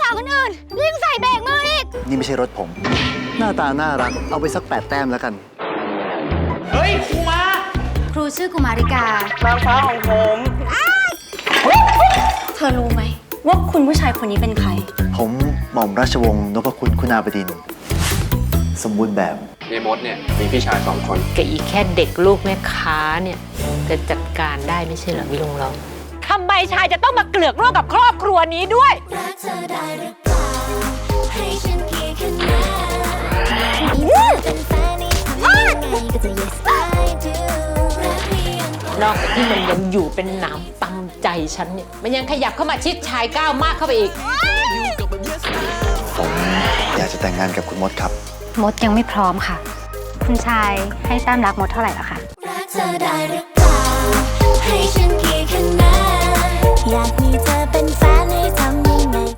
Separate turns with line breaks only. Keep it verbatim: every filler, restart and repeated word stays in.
คนอื่นเรียงใส่เบรกมืออีก
นี่ไม่ใช่รถผม หน้าตาน่ารักเอาไปสักแปดแต้มแล้วกัน
เฮ้ยครูมา
ครูชื่อกุมาริกาน
างฟ้าของผม
เธอรู้ไหมว่าคุณผู้ชายคนนี้เป็นใคร
ผมหม่อมราชวงศ์นพคุณคุณาบดินทร์สมบูรณ์แบบ
ในมดเนี่ยมีพี่ชายสองคน
กับอีแค่เด็กลูกแม่ค้าเนี่ยจะจัดการได้ไม่ใช่เหรอพี่ลุงเราทำไมชายจะต้องมาเกลือกร่วมกับครอบครัวนี้ด้วยนอกจากที่มันยังอยู่เป็นหนามตำใจฉันเนี่ยมันยังขยับเข้ามาชิดชายก้าวมากเข้าไปอีก
ผมอยากจะแต่งงานกับคุณมดครับ
มดยังไม่พร้อมค่ะคุณชายให้แต้มรักมดเท่าไหร่แล้วคะ
อยากมีเธอเป็นแฟนให้ทำยังไง